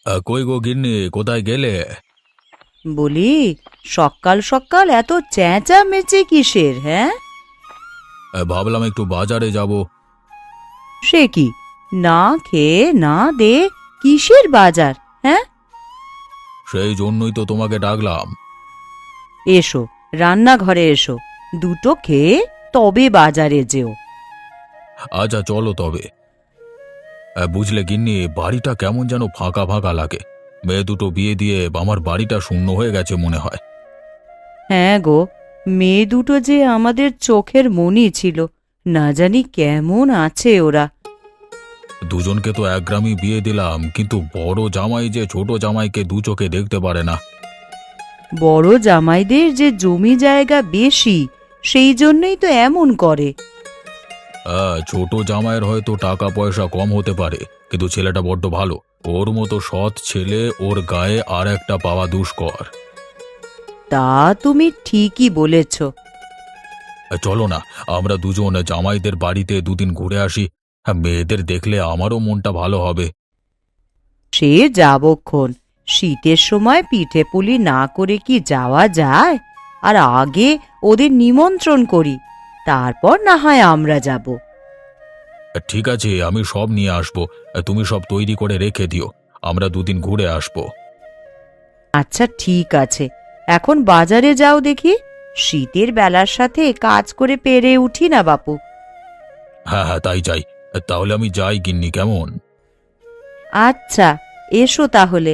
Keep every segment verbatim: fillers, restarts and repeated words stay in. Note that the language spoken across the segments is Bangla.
আহ, কই গো গিন্নি, কোথায় গেলে? বলি, সকাল সকাল এত চেঁচামেচি কিসের, হ্যাঁ? আহ, ভাবলাম একটু বাজারে যাব। সে কি, না খেয়ে না দে কিসের বাজার, হ্যাঁ? সেই জন্যই তো তোমাকে ডাকলাম। এসো, রান্নাঘরে এসো, দুটো খেয়ে তবে বাজারে যেও। আচ্ছা চলো তবে। আহ, বুঝলে গিন্নি, বাড়িটা কেমন যেন ফাঁকা ফাঁকা লাগে। মেয়ে দুটো বিয়ে দিয়ে আমার বাড়িটা শূন্য হয়ে গেছে মনে হয়। হ্যাঁ গো, মেয়ে দুটো যে আমাদের চোখের মণি ছিল, না জানি কেমন আছে ওরা। দুজনকে তো এক গ্রামই বিয়ে দিলাম, কিন্তু বড় জামাই যে ছোট জামাইকে দু চোখে দেখতে পারে না। বড় জামাইদের যে জমি জায়গা বেশি, সেই জন্যই তো এমন করে। হ্যাঁ, ছোট জামাইয়ের হয়তো টাকা পয়সা কম হতে পারে, কিন্তু ছেলেটা বড্ড ভালো। ওর মতো সৎ ছেলে ওর গায়ে আর একটা পাওয়া দুষ্কর। তা তুমি ঠিকই বলেছ। আহ, চলো না, আমরা দুজন জামাইদের বাড়িতে দুদিন ঘুরে আসি। হ্যাঁ, মেয়েদের দেখলে আমারও মনটা ভালো হবে। সে যাবক্ষণ, শীতের সময় পিঠে পুলি না করে কি যাওয়া যায়? আর আগে ওদের নিমন্ত্রণ করি, তারপর না হয় আমরা যাব। আহ, ঠিক আছে, আমি সব নিয়ে আসবো। আহ, তুমি সব তৈরি করে রেখে দিও, আমরা দুদিন ঘুরে আসবো। আচ্ছা ঠিক আছে, এখন বাজারে যাও দেখি। শীতের বেলার সাথে কাজ করে পেরে উঠি না বাপু। হ্যাঁ হ্যাঁ, তাই যাই। তাহলে আমি যাই গিন্নি, কেমন? আচ্ছা, এসো তাহলে।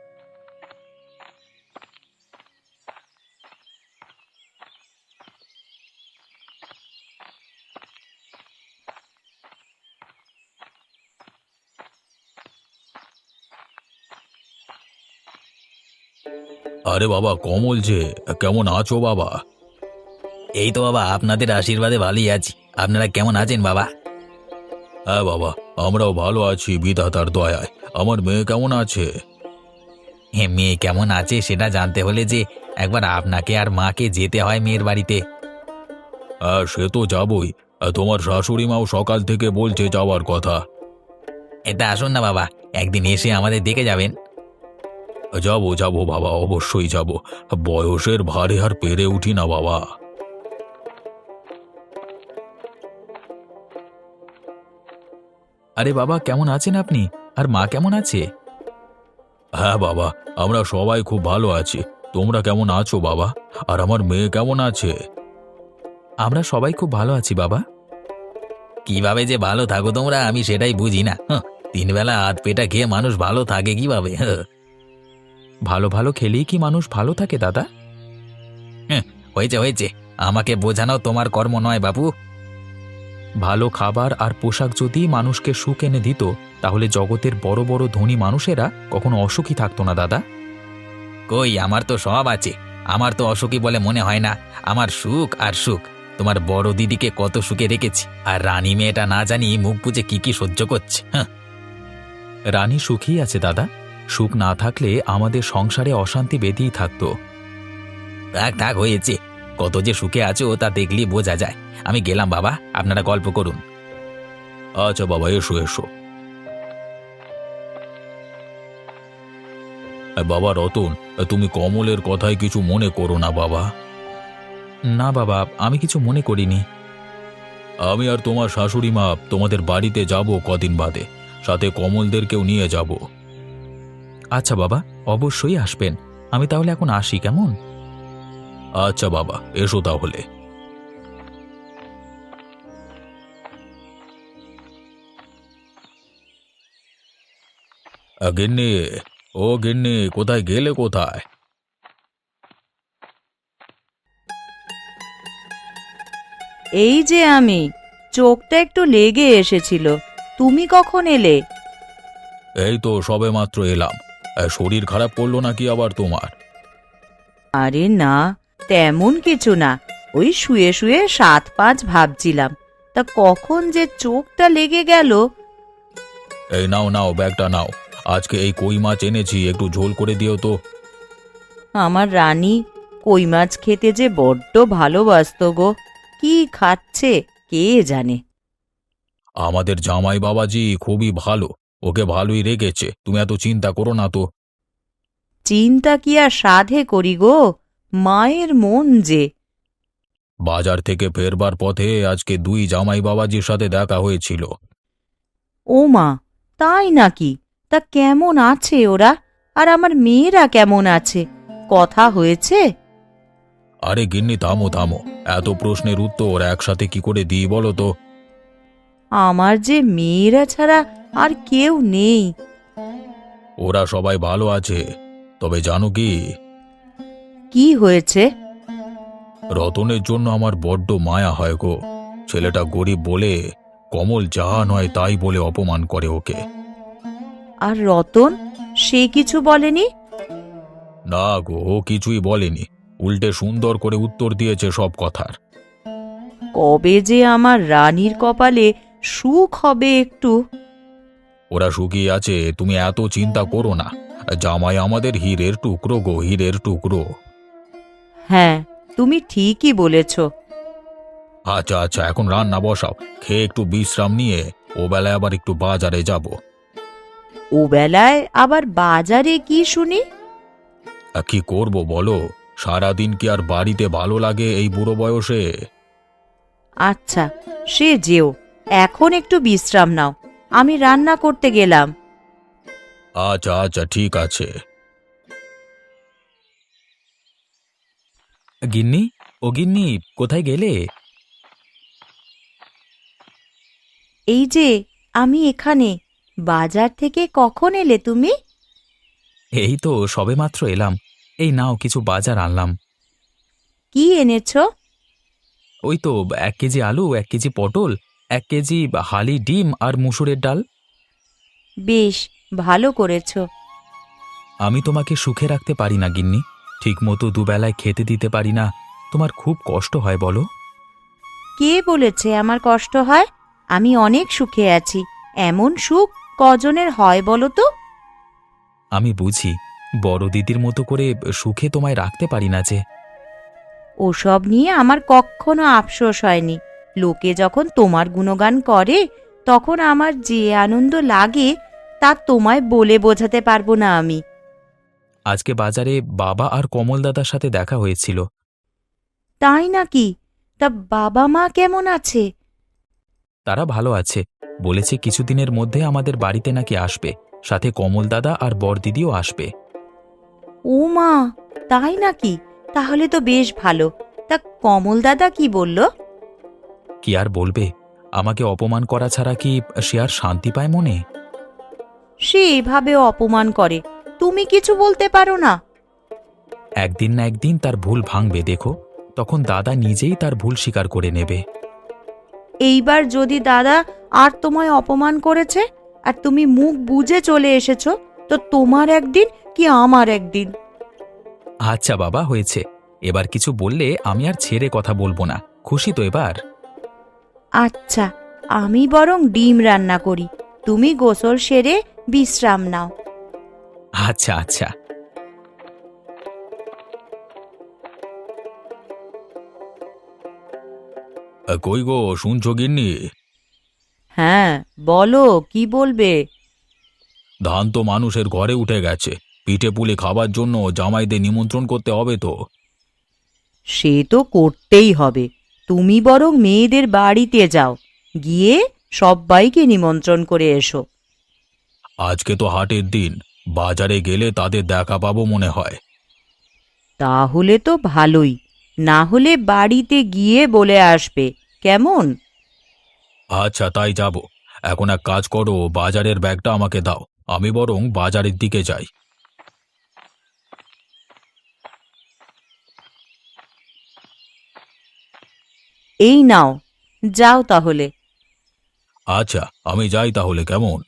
আরে বাবা কমল যে, কেমন আছো বাবা? এই তো বাবা, আপনাদের আশীর্বাদে ভালোই আছি। আপনারা কেমন আছেন বাবা? হ্যাঁ বাবা, আমরাও ভালো আছি বিধাতার দয়ায়। আমার মেয়ে কেমন আছে? হ্যাঁ, মেয়ে কেমন আছে সেটা জানতে হলে যে একবার আপনাকে আর মাকে যেতে হয় মেয়ের বাড়িতে। হ্যাঁ, সে তো যাবই। আর তোমার শাশুড়ি মাও সকাল থেকে বলছে যাওয়ার কথা। এটা আসুন না বাবা, একদিন এসে আমাদের দেখে যাবেন। যাবো যাবো বাবা, অবশ্যই যাব। বয়সের ভারে আর পেরে উঠি না বাবা। আরে বাবা, কেমন আছেন আপনি? আর মা কেমন আছে? হ্যাঁ বাবা, আমরা সবাই খুব ভালো আছি। তোমরা কেমন আছো বাবা? আর আমার মেয়ে কেমন আছে? আমরা সবাই খুব ভালো আছি বাবা। কিভাবে যে ভালো থাকো তোমরা, আমি সেটাই বুঝি না। হাহ, তিন বেলা হাত পেটা খেয়ে মানুষ ভালো থাকে কিভাবে? হাহ। ভালো ভালো খেলেই কি মানুষ ভালো থাকে দাদা? হ্যাঁ, হয়েছে হয়েছে, আমাকে বোঝানো তোমার কর্ম নয় বাবু। ভালো খাবার আর পোশাক যদি মানুষকে সুখ এনে দিত, তাহলে জগতের বড় বড় ধনী মানুষেরা কখনো অসুখী থাকতো না দাদা। কই, আমার তো সব আছে। আমার তো অসুখী বলে মনে হয় না। আমার সুখ আর সুখ। তোমার বড় দিদিকে কত সুখে রেখেছি, আর রানী মেয়েটা না জানি মুখ বুজে কি কি সহ্য করছে। হ্যাঁ, রানী সুখী আছে দাদা। সুখ না থাকলে আমাদের সংসারে অশান্তি বেঁধেই থাকতো। থাক থাক, হয়েছে। কত যে সুখে আছো তা দেখলেই বোঝা যায়। আমি গেলাম বাবা, আপনারা গল্প করুন। আচ্ছা বাবা, এসো এসো। বাবা রতন, তুমি কমলের কথায় কিছু মনে করো না বাবা। না বাবা, আমি কিছু মনে করিনি। আমি আর তোমার শাশুড়ি মা তোমাদের বাড়িতে যাব কদিন বাদে, সাথে কমলদেরকেও নিয়ে যাব। আচ্ছা বাবা, অবশ্যই আসবেন। আমি তাহলে এখন আসি, কেমন? আচ্ছা বাবা, এসো তাহলে। আ, গিন্নি, ও গিন্নি, কোথায় গেলে কোথায়? এই যে আমি, চোখটা একটু লেগে এসেছিল। তুমি কখন এলে? এই তো সবে মাত্র এলাম। আ, শরীর খারাপ করলো নাকি আবার তোমার? আরে না, তেমন কিছু না। ওই শুয়ে শুয়ে সাত পাঁচ ভাবছিলাম, তা কখন যে চোখটা লেগে গেল। এই নাও নাও, ব্যাগটা নাও। আজকে এই কই মাছ এনেছি, একটু ঝোল করে দিও তো। আমার রানী কই মাছ খেতে যে বড্ড ভালোবাসতো গো, কি খাচ্ছে কে জানে। আমাদের জামাই বাবাজি খুবই ভালো, ওকে ভালোই রেখেছে, তুমি এত চিন্তা করো না তো। চিন্তা কি আর সাধে করি গো, মায়ের মন যে। বাজার থেকে ফেরবার পথে আজকে দুই জামাই বাবাজির সাথে দেখা হয়েছিল। ও মা, তাই নাকি? তা কেমন আছে ওরা? আর আমার মেয়েরা কেমন আছে? কথা হয়েছে? আরে গিন্নি, থামো থামো, এত প্রশ্নের উত্তর একসাথে কি করে দিই বলো তো। আমার যে মেয়েরা ছাড়া আর কেউ নেই। ওরা সবাই ভালো আছে, তবে জানো কি, কি হয়েছে? রতনের জন্য আমার বড্ড মায়া হয় গো। ছেলেটা গরিব বলে কমল যা নয় তাই বলে অপমান করে ওকে। আর রতন, সে কিছু বলেনি? না গো, ও কিছুই বলেনি, উল্টে সুন্দর করে উত্তর দিয়েছে সব কথার। কবে যে আমার রানীর কপালে সুখ হবে একটু। ওরা শুকিয়ে আছে, তুমি এত চিন্তা করো না। জামাই আমাদের হীরের টুকরো গো, হীরের টুকরো। হ্যাঁ, তুমি ঠিকই বলেছ। আচ্ছা আচ্ছা, এখন রান্না বসাও, খেয়ে একটু বিশ্রাম নিয়ে ও বেলায় আবার একটু বাজারে যাব। ও বেলায় আবার বাজারে কি শুনি? আ, কি করব বলো, সারাদিন কি আর বাড়িতে ভালো লাগে এই বুড়ো বয়সে? আচ্ছা, সে যেও, এখন একটু বিশ্রাম নাও, আমি রান্না করতে গেলাম। আচ্ছা আচ্ছা, ঠিক আছে। গিন্নি, ও গিন্নি, কোথায় গেলে? এই যে, আমি এখানে। বাজার থেকে কখন এলে তুমি? এই তো সবেমাত্র এলাম। এই নাও, কিছু বাজার আনলাম। কি এনেছো? ওই তো এক কেজি আলু, এক কেজি পটল, এক কেজি হালি ডিম আর মুসুরের ডাল। বেশ, ভালো করেছো। আমি তোমাকে সুখে রাখতে পারি না গিন্নি, ঠিক মতো দুবেলায় খেতে দিতে পারি না। তোমার খুব কষ্ট হয় বলো? কে বলেছে আমার কষ্ট হয়? আমি অনেক সুখে আছি। এমন সুখ কজনের হয় বলো তো? আমি বুঝি, বড় দিদির মতো করে সুখে তোমায় রাখতে পারি না যে। ওসব নিয়ে আমার কখনো আফসোস হয়নি। লোকে যখন তোমার গুণগান করে, তখন আমার যে আনন্দ লাগে তা তোমায় বলে বোঝাতে পারবো না আমি। আজকে বাজারে বাবা আর কমল দাদার সাথে দেখা হয়েছিল। তাই নাকি? তা বাবা মা কেমন আছে? তারা ভালো আছে, বলেছে কিছুদিনের মধ্যে আমাদের বাড়িতে নাকি আসবে, সাথে কমল দাদা আর বড়দিদিও আসবে। ও মা, তাই নাকি? তাহলে তো বেশ ভালো। তা কমল দাদা কি বলল? কি আর বলবে, আমাকে অপমান করা ছাড়া কি সে আর শান্তি পায় মনে? সে এভাবে অপমান করে, তুমি কিছু বলতে পারো না? একদিন না একদিন তার ভুল ভাঙবে দেখো, তখন দাদা নিজেই তার ভুল স্বীকার করে নেবে। এইবার যদি দাদা আর তোমায় অপমান করেছে, আর তুমি মুখ বুজে চলে এসেছো, তো তোমার একদিন কি আমার একদিন। আচ্ছা বাবা, হয়েছে, এবার কিছু বললে আমি আর ছেড়ে কথা বলবো না। খুশি তো এবার? আচ্ছা, আমি বরং ডিম রান্না করি, তুমি গোসল সেরে বিশ্রাম নাও। আচ্ছা আচ্ছা। আ, কই গো, শুনছো গিন্নি? হ্যাঁ, বলো, কি বলবে? ধান তো মানুষের ঘরে উঠে গেছে, পিঠে পুলি খাবার জন্য জামাইদের নিমন্ত্রণ করতে হবে তো। সে তো করতেই হবে। তুমি বরং মেয়েদের বাড়িতে যাও, গিয়ে সব্বাইকে নিমন্ত্রণ করে এসো। আজকে তো হাটের দিন, বাজারে গেলে তাদের দেখা পাবো মনে হয়। তাহলে তো ভালোই, না হলে বাড়িতে গিয়ে বলে আসবে, কেমন? আচ্ছা, তাই যাব। এখন এক কাজ করো, বাজারের ব্যাগটা আমাকে দাও, আমি বরং বাজারের দিকে যাই। এই নাও, যাও তাহলে। আচ্ছা, আমি যাই তাহলে, কেমন?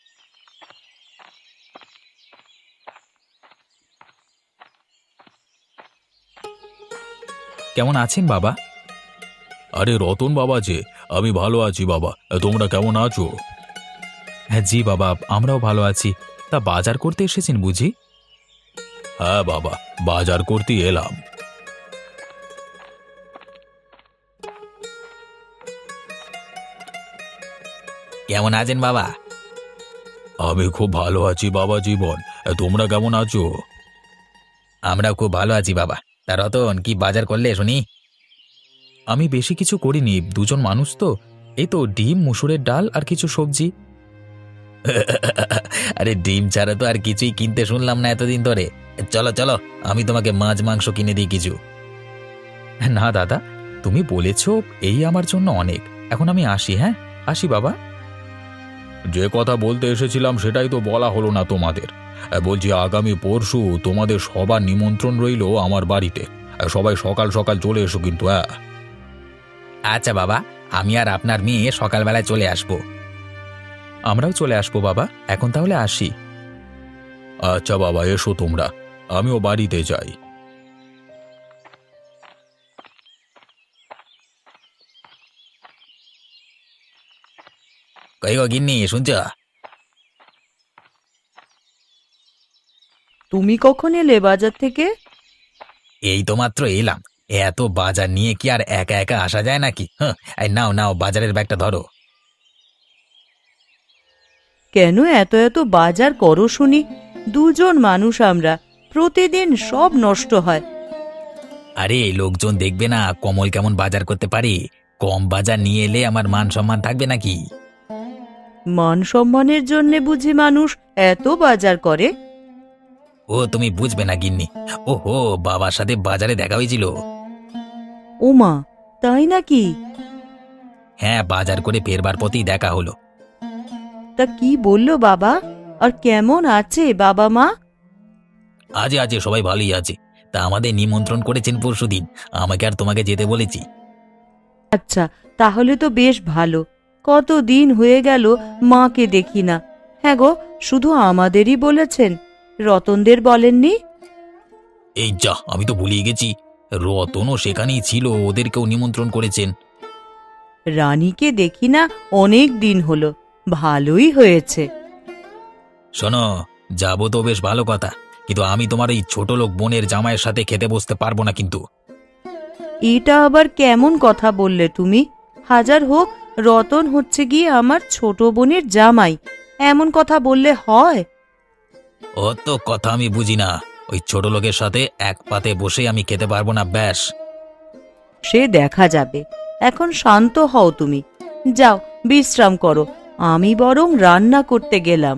কেমন আছেন বাবা? আরে রতন বাবা যে, আমি ভালো আছি বাবা, তোমরা কেমন আছো? হ্যাঁ জি বাবা, আমরাও ভালো আছি। তা বাজার করতে এসেছেন বুঝি? হ্যাঁ বাবা, বাজার করতে এলাম। কেমন আছেন বাবা? আমি খুব ভালো আছি বাবা জীবন। তোমরা কেমন আছো? আমরাও খুব ভালো আছি বাবা। তা রতন, কি বাজার করলে শুনি? আমি বেশি কিছু করিনি, দুজন মানুষ তো। এই তো ডিম, মুসুরের ডাল আর কিছু সবজি। আরে ডিম ছাড়া তো আর কিছুই কিনতে শুনলাম না এতদিন ধরে। চলো চলো, আমি তোমাকে মাছ মাংস কিনে দিই কিছু। না দাদা, তুমি বলেছ এই আমার জন্য অনেক। এখন আমি আসি। হ্যাঁ, আসি বাবা। যে কথা বলতে এসেছিলাম সেটাই তো বলা হলো না তোমাদের। বলছি, আগামী পরশু তোমাদের সবার নিমন্ত্রণ রইল আমার বাড়িতে। সবাই সকাল সকাল চলে এসো কিন্তু। হ্যাঁ, আচ্ছা বাবা, আমি আর আপনার মেয়ে সকালবেলায় চলে আসবো। আমরাও চলে আসবো বাবা। এখন তাহলে আসি। আচ্ছা বাবা, এসো তোমরা, আমিও বাড়িতে যাই। কই গো গিন্নি, শুনছ? তুমি কখন এলে বাজার থেকে? এই তো মাত্র এলাম। এত বাজার নিয়ে কি আর একা একা আসা যায় নাকি? হ্যাঁ, এই নাও নাও, বাজারের ব্যাগটা ধরো। কেন এত এত বাজার করো শুনি? দুজন মানুষ আমরা, প্রতিদিন সব নষ্ট হয়। আরে লোকজন দেখবে না কমল কেমন বাজার করতে পারে। কম বাজার নিয়ে এলে আমার মান সম্মান থাকবে নাকি? মান সম্মানের জন্যে বুঝি মানুষ এত বাজার করে? ও তুমি বুঝবে না গিন্নি। ওহো, বাবার সাথে বাজারে দেখা হয়েছিল। ওমা, তাই নাকি? হ্যাঁ, বাজার করে ফেরবার পথেই দেখা হলো। তা কি বললো বাবা? আর কেমন আছে বাবা মা? আজে আজে সবাই ভালোই আছে। তা আমাদের নিমন্ত্রণ করেছেন পরশুদিন, আমাকে আর তোমাকে যেতে বলেছি। আচ্ছা, তাহলে তো বেশ ভালো। কত দিন হয়ে গেল মাকে দেখি না। হ্যাঁ গো, শুধু আমাদেরই বলেছেন, রতনদের বলেননি? এই যা, আমি তো ভুলিয়ে গেছি। রতনও সেখানেই ছিল, ওদেরকেও নিমন্ত্রণ করেছেন। রানীকে দেখি না অনেক দিন হলো। ভালোই হয়েছে। শোনো, যাবো তো বেশ ভালো কথা, কিন্তু আমি তোমার এই ছোট লোক বোনের জামাইয়ের সাথে খেতে বসতে পারবো না কিন্তু। এটা আবার কেমন কথা বললে তুমি? হাজার হোক, রতন হচ্ছে গিয়ে আমার ছোট বোনের জামাই। এমন কথা বললে হয়? অত কথা আমি বুঝি না। ওই ছোট লোকের সাথে এক পাতে বসে আমি খেতে পারবো না, ব্যাস। সে দেখা যাবে। এখন শান্ত হও তুমি। যাও, বিশ্রাম করো। আমি বরং রান্না করতে গেলাম।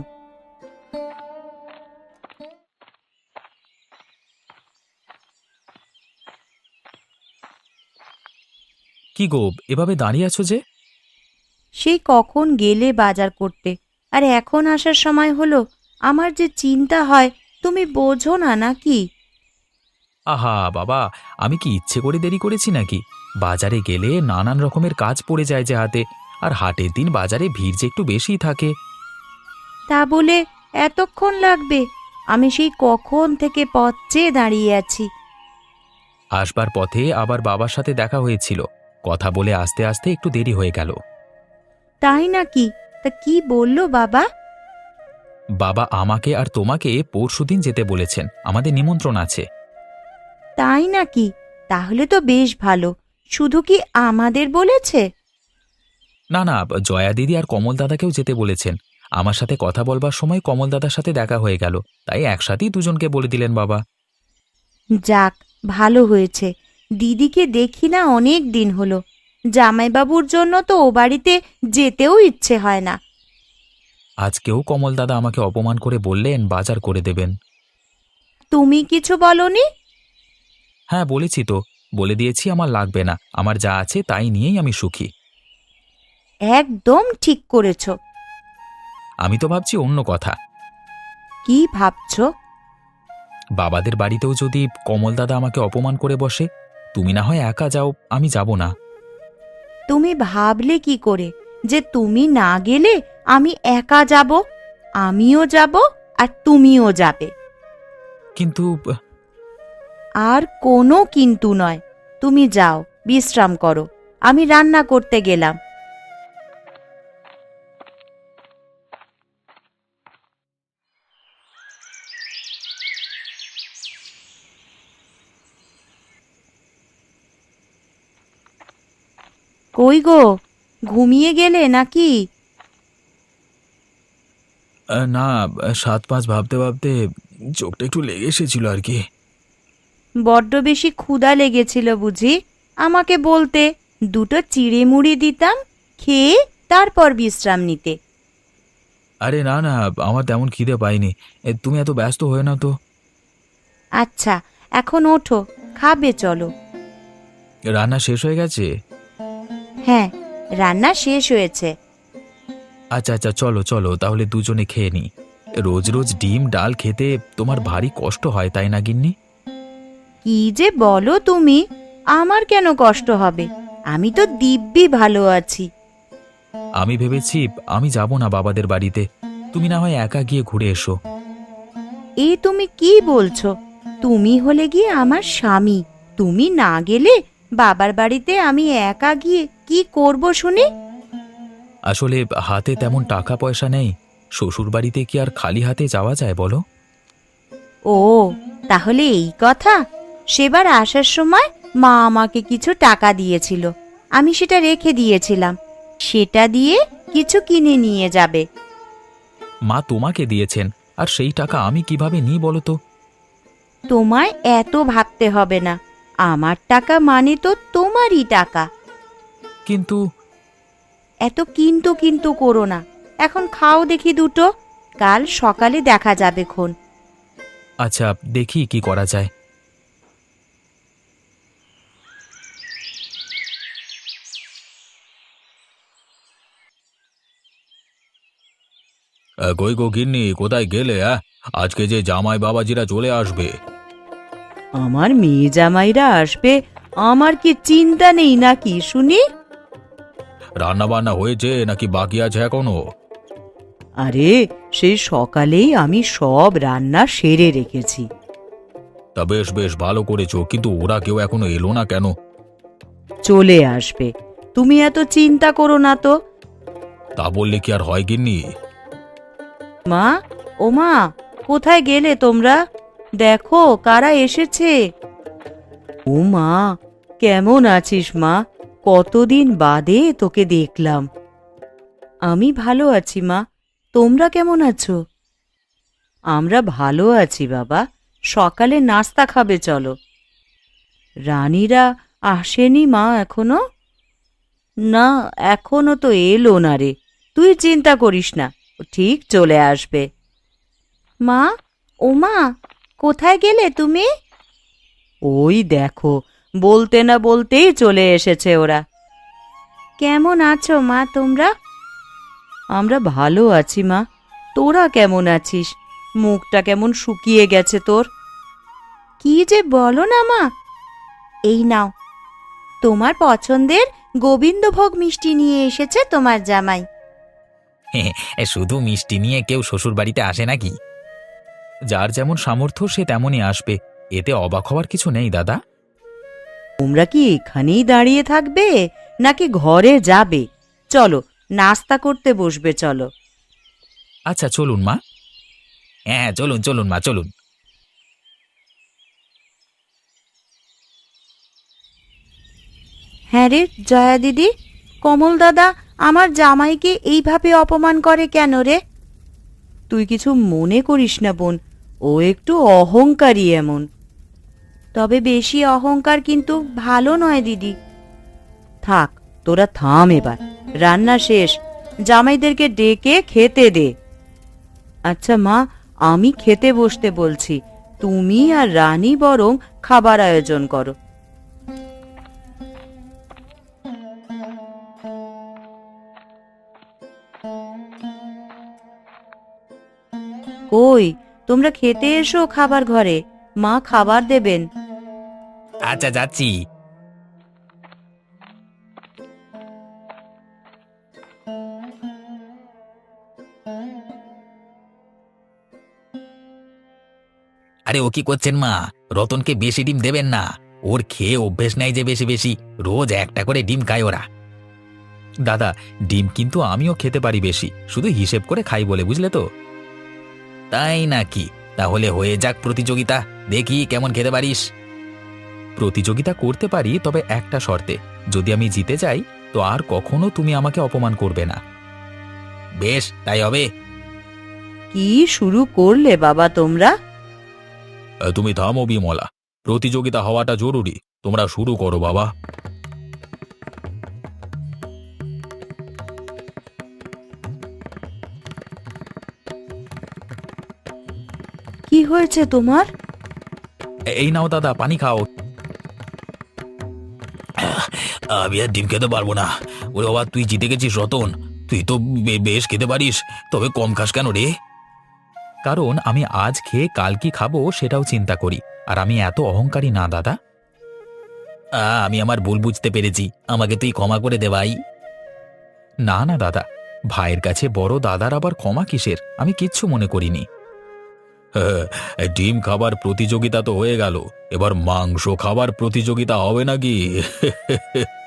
কি গো, এভাবে দাঁড়িয়ে আছো যে? সেই কখন গেলে বাজার করতে, আর এখন আসার সময় হলো? আমার যে চিন্তা হয়, তুমি বোঝো না নাকি? আহা বাবা, আমি কি ইচ্ছে করে দেরি করেছি নাকি? বাজারে গেলে নানান রকমের কাজ পড়ে যায় যে হাতে। আর হাটের দিন বাজারে ভিড় যে একটু বেশিই থাকে। তা বলে এতক্ষণ লাগবে? আমি সেই কখন থেকে পথ চেয়ে দাঁড়িয়ে আছি। আসবার পথে আবার বাবার সাথে দেখা হয়েছিল, কথা বলে আস্তে আস্তে একটু দেরি হয়ে গেল। তাই নাকি? তা কি বললো বাবা? বাবা আমাকে আর তোমাকে পরশুদিন যেতে বলেছেন, আমাদের নিমন্ত্রণ আছে। তাই নাকি? তাহলে তো বেশ ভালো। শুধু কি আমাদের বলেছে? না না, জয়া দিদি আর কমল দাদাকেও যেতে বলেছেন। আমার সাথে কথা বলবার সময় কমল দাদার সাথে দেখা হয়ে গেল, তাই একসাথেই দুজনকে বলে দিলেন বাবা। যাক, ভালো হয়েছে। দিদিকে দেখি না অনেক দিন হলো। জামাইবাবুর জন্য তো ও বাড়িতে যেতেও ইচ্ছে হয় না। আজকেও কমল দাদা আমাকে অপমান করে বললেন বাজার করে দেবেন। তুমি কিছু বলনি? হ্যাঁ বলেছি তো, বলে দিয়েছি আমার লাগবে না, আমার যা আছে তাই নিয়েই আমি সুখী। একদম ঠিক করেছো। আমি তো ভাবছি অন্য কথা। কি ভাবছো? বাবাদের বাড়িতেও যদি কমল দাদা আমাকে অপমান করে বসে, তুমি না হয় একা যাও, আমি যাব না। তুমি ভাবলে কি করে যে তুমি না গেলে আমি একা যাব? আমিও যাব, আর তুমিও যাবে। কিন্তু আর কোনো কিন্তু নয়। তুমি যাও, বিশ্রাম করো। আমি রান্না করতে গেলাম। কই গো, ঘুমিয়ে গেলে নাকি? আহ, না, সাত পাঁচ ভাবতে ভাবতে চোখটা একটু লেগে এসেছিল আর কি। বড্ড বেশি ক্ষুধা লেগেছিল বুঝি? আমাকে বলতে, দুটো চিড়ে মুড়ি দিতাম, খেয়ে তারপর বিশ্রাম নিতে। আরে না না, আমার তেমন খিদে পাইনি। এ, তুমি এত ব্যস্ত হয়ে না তো। আচ্ছা, এখন ওঠো, খাবে চলো। রান্না শেষ হয়ে গেছে? হ্যাঁ, রান্না শেষ হয়েছে। আচ্ছা আচ্ছা, চলো চলো তাহলে দুজনে খেয়ে নি। রোজ রোজ ডিম ডাল খেতে তোমার ভারী কষ্ট হয় তাই না গিন্নি? কি যে বলো তুমি, আমার কেন কষ্ট হবে? আমি তো দিব্যি ভালো আছি। আমি ভেবেছি আমি যাব না বাবাদের বাড়িতে, তুমি না হয় একা গিয়ে ঘুরে এসো। এ তুমি কি বলছো? তুমি হলে গিয়ে আমার স্বামী, তুমি না গেলে বাবার বাড়িতে আমি একা গিয়ে কি করব শুনি? আসলে হাতে তেমন টাকা পয়সা নেই, শ্বশুর বাড়িতে কি আর খালি হাতে যাওয়া যায় বলো? ও, তাহলে এই কথা। সেবার আসার সময় মা আমাকে কিছু টাকা দিয়েছিল, আমি সেটা রেখে দিয়েছিলাম। সেটা দিয়ে কিছু কিনে নিয়ে যাবে। মা তোমাকে দিয়েছেন, আর সেই টাকা আমি কিভাবে নিই বলো তো? তোমায় এত ভাবতে হবে না, আমার টাকা মানে তো তোমারই টাকা। কিন্তু এত কিন্তু কিন্তু করো না, এখন খাও দেখি দুটো, কাল সকালে দেখা যাবে খন। আচ্ছা, দেখি কি করা যায়। কই গো গিন্নি, কোথায় গেলে? আহ আজকে যে জামাই বাবাজিরা চলে আসবে। আমার মেয়ে জামাইরা আসবে, আমার কি চিন্তা নেই নাকি শুনি? রান্না বান্না হয়েছে নাকি বাকি আছে এখনো? আরে, সেই সকালেই আমি সব রান্না সেরে রেখেছি। তা বেশ বেশ ভালো করেছো, কিন্তু ওরা কেউ এখনো এলো না কেন? চলে আসবে, তুমি এত চিন্তা করো না তো। তা বললে কি আর হয় গিন্নি? মা, ও মা, কোথায় গেলে তোমরা? দেখো কারা এসেছে। ও মা, কেমন আছিস মা? কতদিন বাদে তোকে দেখলাম। আমি ভালো আছি মা, তোমরা কেমন আছো? আমরা ভালো আছি বাবা। সকালে নাস্তা খাবে চলো। রানীরা আসেনি মা এখনো? না, এখনো তো এলো না রে। তুই চিন্তা করিস না, ও ঠিক চলে আসবে। মা, ও মা, কোথায় গেলে তুমি? ওই দেখো, বলতে না বলতেই চলে এসেছে ওরা। কেমন আছো মা তোমরা? আমরা ভালো আছি মা, তোরা কেমন আছিস? মুখটা কেমন শুকিয়ে গেছে তোর। কি যে বলো না মা, এই নাও, তোমার পছন্দের গোবিন্দভোগ মিষ্টি নিয়ে এসেছে তোমার জামাই। শুধু মিষ্টি নিয়ে কেউ শ্বশুর বাড়িতে আসে নাকি? যার যেমন সামর্থ্য সে তেমনই আসবে, এতে অবাক হওয়ার কিছু নেই দাদা। তোমরা কি এখানেই দাঁড়িয়ে থাকবে নাকি ঘরে যাবে? চলো, নাস্তা করতে বসবে চলো। আচ্ছা চলুন মা। হ্যাঁ চলুন চলুন মা চলুন। হ্যাঁ রে জয়া দিদি, কমল দাদা আমার জামাইকে এইভাবে অপমান করে কেন রে? তুই কিছু মনে করিস না বোন, ও একটু অহংকারী এমন। তবে বেশি অহংকার কিন্তু ভালো নয় দিদি। থাক, তোরা থাম এবার, রান্না শেষ, জামাইদেরকে ডেকে খেতে দে। আচ্ছা মা, আমি খেতে বসতে বলছি, তুমি আর রানী বরং খাবার আয়োজন করো। কই, তোমরা খেতে এসো খাবার ঘরে, মা খাবার দেবেন। আচ্ছা যাচ্ছি। আরে ও কি করছেন মা? রতনকে বেশি ডিম দেবেন না, ওর খেয়ে অভ্যেস নাই যে বেশি বেশি, রোজ একটা করে ডিম খায় ওরা। দাদা, ডিম কিন্তু আমিও খেতে পারি বেশি, শুধু হিসেব করে খাই বলে, বুঝলে তো? তাই নাকি? তাহলে হয়ে যাক প্রতিযোগিতা, দেখি কেমন খেতে পারিস। প্রতিযোগিতা করতে পারি, তবে একটা শর্তে, যদি আমি জিতে যাই তো আর কখনো তুমি আমাকে অপমান করবে না। বেশ, তাই হবে। কি শুরু করলে বাবা তোমরা? এ, তুমি থামো বিমলা, প্রতিযোগিতা হওয়াটা জরুরি। তোমরা শুরু করো বাবা। কি হয়েছে তোমার? এ- এই নাও দাদা, পানি খাও। আমি আর ডিম খেতে পারবো না। ওরে বাবা, তুই জিতে গেছিস রতন। তুই তো বে- বেশ খেতে পারিস, তবে কম খাস কেন রে? কারণ আমি আজ খেয়ে কাল কি খাবো সেটাও চিন্তা করি, আর আমি এত অহংকারী না দাদা। আ, আমি আমার ভুল বুঝতে পেরেছি, আমাকে তুই ক্ষমা করে দে ভাই। না না দাদা, ভাইয়ের কাছে বড় দাদার আবার ক্ষমা কিসের, আমি কিচ্ছু মনে করিনি। হ্যাঁ, ডিম খাবার প্রতিযোগিতা তো হয়ে গেল, এবার মাংস খাবার প্রতিযোগিতা হবে নাকি?